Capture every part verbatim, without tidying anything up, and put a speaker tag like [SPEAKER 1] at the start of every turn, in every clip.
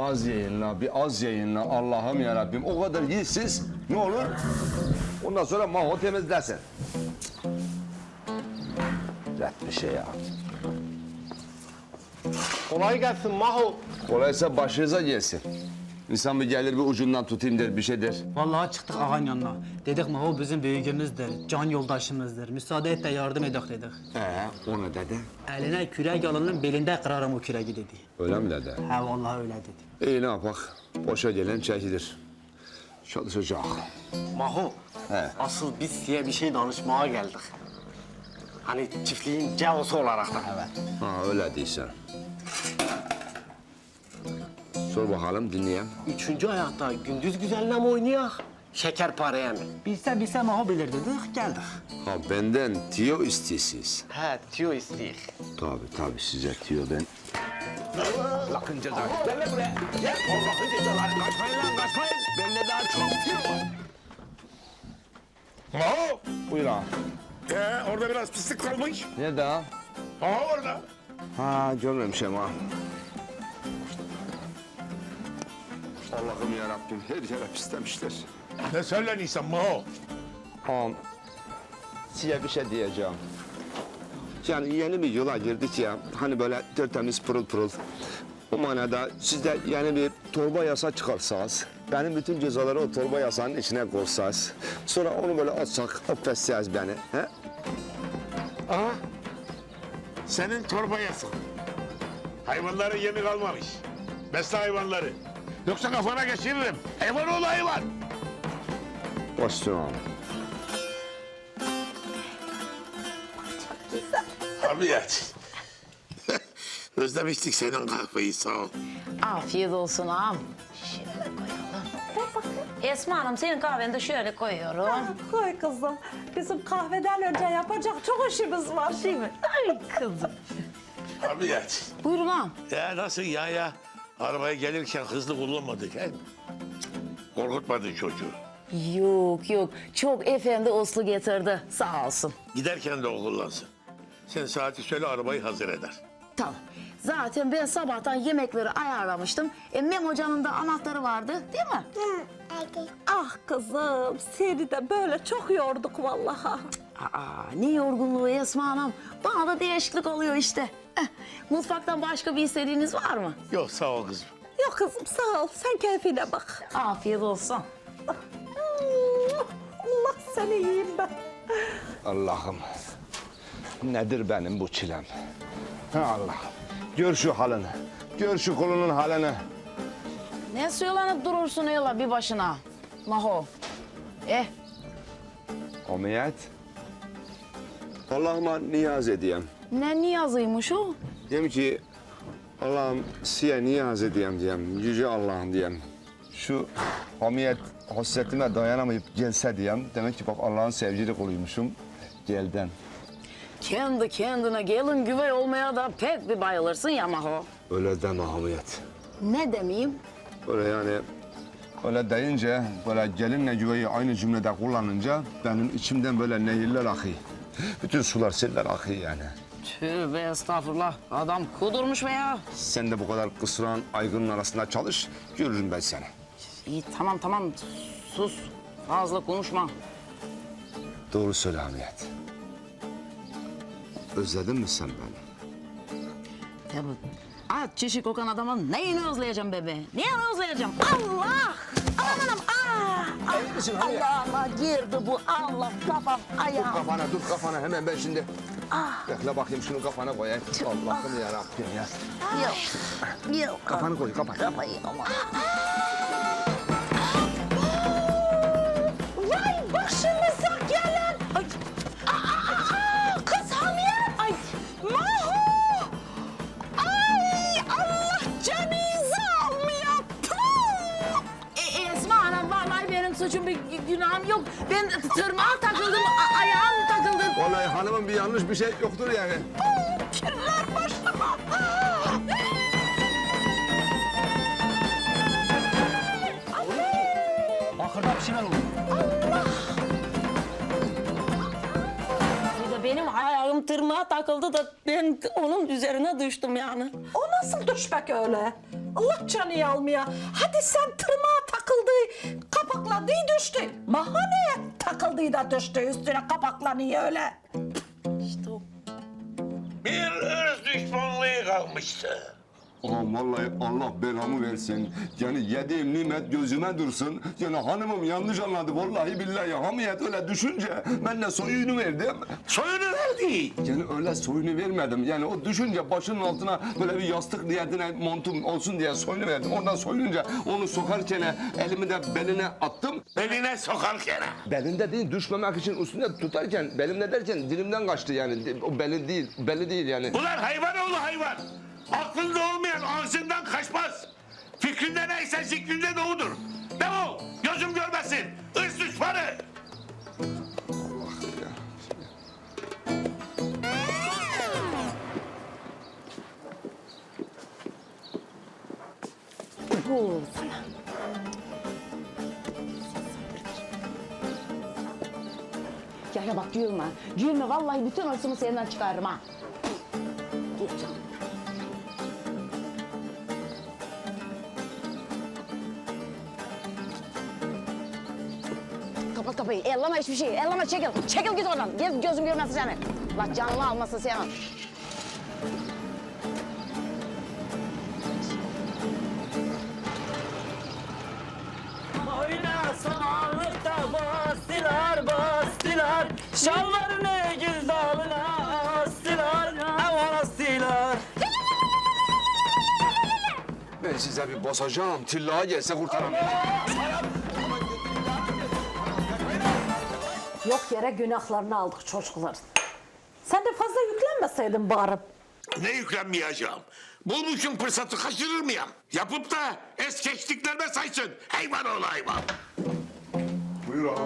[SPEAKER 1] Az yayınla, bir az yayınla. Allah'ım yarabbim. O kadar yiğitsiz. Ne olur? Ondan sonra Maho temizlersin. Ret bir şey ya.
[SPEAKER 2] Kolay gelsin Maho.
[SPEAKER 1] Kolaysa başınıza gelsin. İnsan bir gelir bir ucundan tutayım der, bir şey der.
[SPEAKER 3] Vallahi çıktık ağanın yanına. Dedik Maho bizim büyüğümüzdür, can yoldaşımızdır. Müsaade et de yardım edek dedik.
[SPEAKER 1] Ee, o ne dedi?
[SPEAKER 3] Eline kürek alının belinde kırarım o küreği dedi.
[SPEAKER 1] Öyle mi dedi?
[SPEAKER 3] He vallahi öyle dedi.
[SPEAKER 1] İyi ne yapak? Boşa gelen çekilir. Çalışacak.
[SPEAKER 2] Maho.
[SPEAKER 1] He.
[SPEAKER 2] Asıl biz size bir şey danışmaya geldik. Hani çiftliğin cevosu olarak da. Evet.
[SPEAKER 1] Ha öyle değilsen. Sor bakalım dinleyeyim.
[SPEAKER 2] Üçüncü ayakta gündüz güzeline mi oynayak? Şekerpareye mi?
[SPEAKER 3] Bilse bilse Maho bilir dedik, geldik.
[SPEAKER 1] Ha benden tiyo istiyorsunuz.
[SPEAKER 2] He, tüyo isteyik.
[SPEAKER 1] Tabii tabii size tiyo ben. Allah'ın cezası.
[SPEAKER 2] Gel lan buraya. Gel. Allah'ın cezaları. Kaçmayın lan kaçmayın. Bende daha çok tüyo var.
[SPEAKER 4] Maho!
[SPEAKER 1] Buyur ağam.
[SPEAKER 4] Ee, orada biraz pislik kalmış.
[SPEAKER 1] Nerede ağam?
[SPEAKER 4] Aha orada.
[SPEAKER 1] Ha görmemişim ağam. Allah'ım yarabbim her yere pislemişler.
[SPEAKER 4] Ne söyleniyorsun Maho?
[SPEAKER 1] Ağam size bir şey diyeceğim. Yani yeni bir yola girdik ya. Hani böyle tertemiz pırıl pırıl. O manada siz de yeni bir torba yasa çıkarsanız, benim bütün cezaları o torba yasanın içine koysanız, sonra onu böyle atsak, affetseniz beni. He?
[SPEAKER 4] Aha. Senin torba yasak. Hayvanların yemi kalmamış. Besle hayvanları. Yoksa kafana geçiririm. Hayvan ol hayvan.
[SPEAKER 1] Başüstüne ağam.
[SPEAKER 4] Hamiyet. Özlemiştik senin kahveyi sağ ol.
[SPEAKER 5] Afiyet olsun ağam. Şöyle koyalım. Esma Hanım senin kahveni de şöyle koyuyorum.
[SPEAKER 6] Koy kızım. Bizim kahveden önce yapacak çok işimiz var.
[SPEAKER 5] Değil mi? Ay kızım.
[SPEAKER 4] Hamiyet.
[SPEAKER 5] Buyurun ağam.
[SPEAKER 4] Ya nasıl ya ya? Arabaya gelirken hızlı kullanmadık he? Korkutmadın çocuğu.
[SPEAKER 5] Yok yok. Çok efendi uslu getirdi. Sağ olsun.
[SPEAKER 4] Giderken de o kullansın. Sen saati söyle arabayı hazır eder.
[SPEAKER 5] Tamam. Zaten ben sabahtan yemekleri ayarlamıştım. E, Mem Hoca'nın da anahtarı vardı değil mi?
[SPEAKER 6] Ah kızım seni de böyle çok yorduk vallahi.
[SPEAKER 5] Aa, ne yorgunluğu Esma Hanım. Bana da değişiklik oluyor işte. Eh, mutfaktan başka bir istediğiniz var mı?
[SPEAKER 4] Yok sağ ol kızım.
[SPEAKER 6] Yok kızım sağ ol sen keyfine bak.
[SPEAKER 5] Afiyet olsun.
[SPEAKER 6] Allah seni yiyeyim ben.
[SPEAKER 1] Allah'ım. Nedir benim bu çilem? Ha Allah. Gör şu halini. Gör şu kolunun halini.
[SPEAKER 5] Ne söylenip durursun öyle bir başına? Maho. Eh,
[SPEAKER 1] Hamiyet. Allah'ıma niyaz edeyim.
[SPEAKER 5] ne niyazıymış o?
[SPEAKER 1] Diyem ki Allah'ım size niyaz edeyim diyem. Yüce Allah'ım diyem. Şu hamiyet hasretime dayanamayıp gelse diyem. Demek ki bak Allah'ın sevgili kuluymuşum. Gelden.
[SPEAKER 5] Kendi kendine gelin güvey olmaya da pek bir bayılırsın ya Maho.
[SPEAKER 1] Öyle deme hamiyet.
[SPEAKER 5] Ne demeyeyim?
[SPEAKER 1] Böyle yani öyle deyince böyle gelinle güveyi aynı cümlede kullanınca benim içimden böyle nehirler akıyor. Bütün sular seller akıyor yani.
[SPEAKER 5] Tövbe estağfurullah. Adam kudurmuş be ya.
[SPEAKER 1] Sen de bu kadar kısran aygırın arasında çalış, görürüm ben seni.
[SPEAKER 5] İyi tamam tamam. Sus. Fazla konuşma.
[SPEAKER 1] Doğru söyle Hamiyet. Özledin mi sen beni?
[SPEAKER 5] Tabii. At çişi kokan adamın neyini özleyeceğim bebe? Neyini özleyeceğim? Allah! Aman anam! Ah! Ah! Allah'ıma girdi bu Allah kafam ayağım.
[SPEAKER 1] Kafana dur kafana hemen ben şimdi. Bekle bakayım şunu kafana koyayım. Allah'ım yarabbim ya.
[SPEAKER 5] Yok. Yok.
[SPEAKER 1] Kafanı koy kapat.
[SPEAKER 5] Kafayı ama.
[SPEAKER 6] Vay başımıza gelen. Ay. Aa, aa, kız Hamiyet. Ay Maho. Ay Allah canınızı almıyor. Puh!
[SPEAKER 5] E, Esma Hanım vallahi benim suçum bir günahım yok. Ben tırnağa takıldım, a- ayağım takıldı.
[SPEAKER 1] Vallahi hanımın bir yanlış bir şey yoktur yani.
[SPEAKER 6] Kirler başıma.
[SPEAKER 3] Bakırda bir şeyler oldu.
[SPEAKER 5] Bir de benim ayağım
[SPEAKER 6] ayağım tırnağa takıldı da ben onun üzerine düştüm yani.
[SPEAKER 7] O nasıl düşmek öyle? Allah canı almaya. Hadi sen tırnağa takıldı, kapakladı düştü. Mahaneye takıldı da düştü üstüne kapaklanıyor öyle.
[SPEAKER 6] İşte o.
[SPEAKER 4] Bir ırz düşmanlığı kalmıştı.
[SPEAKER 1] Ağam vallahi Allah belamı versin. Yani yediğim nimet gözüme dursun. Yani hanımım yanlış anladı vallahi billahi. Hamiyet öyle düşünce ben de soyunu verdim.
[SPEAKER 4] Soyunu verdi.
[SPEAKER 1] Yani öyle soyunu vermedim. Yani o düşünce başının altına böyle bir yastık niyetine montum olsun diye soyunu verdim. Oradan soyununca onu sokarken elimi de beline attım.
[SPEAKER 4] Beline sokarken.
[SPEAKER 1] Belinde değil düşmemek için üstünde tutarken belimde derken dilimden kaçtı yani. O beli değil, belli değil yani.
[SPEAKER 4] Ulan hayvan oğlu hayvan. Aklında olmayan ağzından kaçmaz. Fikrinde neyse zikrinde de odur. Defol, gözüm görmesin. Hırs düşmanı.
[SPEAKER 5] Bu sana. Ya ya bak gülme. Gülme vallahi bütün hırsımı senden çıkarırım ha. Gel canım. Kapat kapıyı. Elleme hiçbir şey. Elleme çekil. Çekil git oradan. Gez gözüm görmesin seni. Allah canını almasın senin.
[SPEAKER 3] Oynasalıkta bastılar bastılar. Şalvarını gül dalına astılar. Aman astılar.
[SPEAKER 1] Ben size bir basacağım. Tillaya gelse kurtaramam.
[SPEAKER 7] Yok yere günahlarını aldık çocukların. Sen de fazla yüklenmeseydin bari.
[SPEAKER 4] Ne yüklenmeyeceğim? Bulmuşum fırsatı kaçırır mıyım? Yapıp da es geçtiklerime saysın. Hayvan oğlu hayvan.
[SPEAKER 1] Buyur ağam.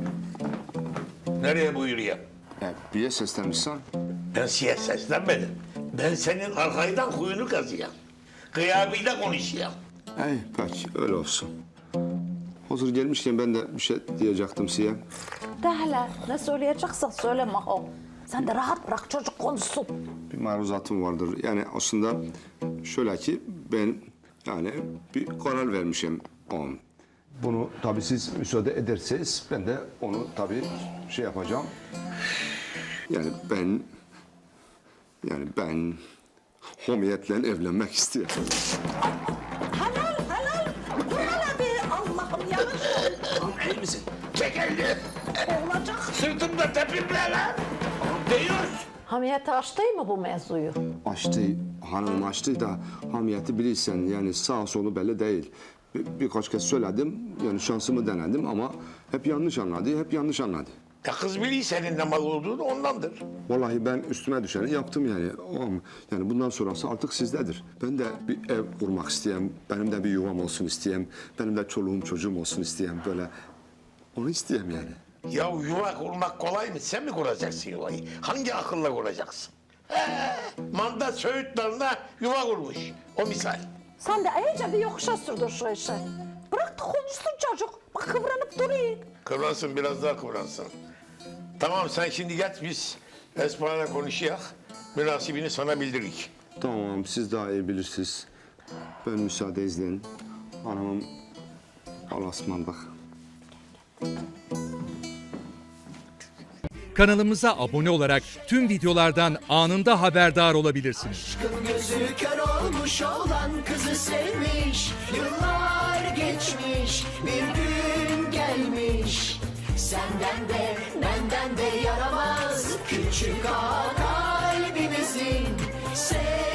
[SPEAKER 4] Nereye buyuruyor?
[SPEAKER 1] E, bir seslenmişsen.
[SPEAKER 4] Ben size seslenmedim. Ben senin arkaydan kuyunu kazıyam. Kıyabıyla konuşayım.
[SPEAKER 1] Ey peki öyle olsun. Hazır gelmişken ben de bir şey diyecektim size.
[SPEAKER 7] De hele ne söyleyeceksen söyle Maho. Sen de rahat bırak çocuk konuşsun.
[SPEAKER 1] Bir maruzatım vardır. Yani aslında şöyle ki ben yani bir karar vermişim ağam. Bunu tabii siz müsaade ederseniz ben de onu tabii şey yapacağım. Yani ben yani ben homiyetle evlenmek istiyorum.
[SPEAKER 7] Helal helal. Bu hele be Allah'ım yavaş.
[SPEAKER 1] İyi misin?
[SPEAKER 4] Çek elini.
[SPEAKER 7] Olacak.
[SPEAKER 4] Sırtımda tepimle lan. Değiyoruz.
[SPEAKER 7] Hamiyet açtı mı bu mevzuyu?
[SPEAKER 1] Açtı, hanım açtı da hamiyeti bilirsen yani sağ solu belli değil. Bir, birkaç kez söyledim yani şansımı denedim ama hep yanlış anladı, hep yanlış anladı.
[SPEAKER 4] Ya kız biliyor senin ne mal olduğunu ondandır.
[SPEAKER 1] Vallahi ben üstüme düşeni yaptım yani. Ama yani bundan sonrası artık sizdedir. Ben de bir ev kurmak isteyeyim, benim de bir yuvam olsun isteyeyim, benim de çoluğum çocuğum olsun isteyeyim böyle. Onu isteyeyim yani.
[SPEAKER 4] Ya yuva kurmak kolay mı? Sen mi kuracaksın yuvayı? Hangi akılla kuracaksın? He, manda Söğüt Dalı'na yuva kurmuş. O misal.
[SPEAKER 7] Sen de iyice bir yokuşa sürdün şu işi. Bırak da konuşsun çocuk. Bak kıvranıp duruyor.
[SPEAKER 4] Kıvransın, biraz daha kıvransın. Tamam, sen şimdi git biz Esma'yla konuşayak. Münasibini sana bildirik.
[SPEAKER 1] Tamam, siz daha iyi bilirsiniz. Ben müsaade izleyin. Hanımım Allah'a ısmarladık.
[SPEAKER 8] Kanalımıza abone olarak tüm videolardan anında haberdar olabilirsiniz.
[SPEAKER 9] Gözü kör olmuş olan kızı sevmiş. Yıllar geçmiş, bir gün gelmiş. Senden de benden de yaramaz küçük ağa kalbimizin. Sev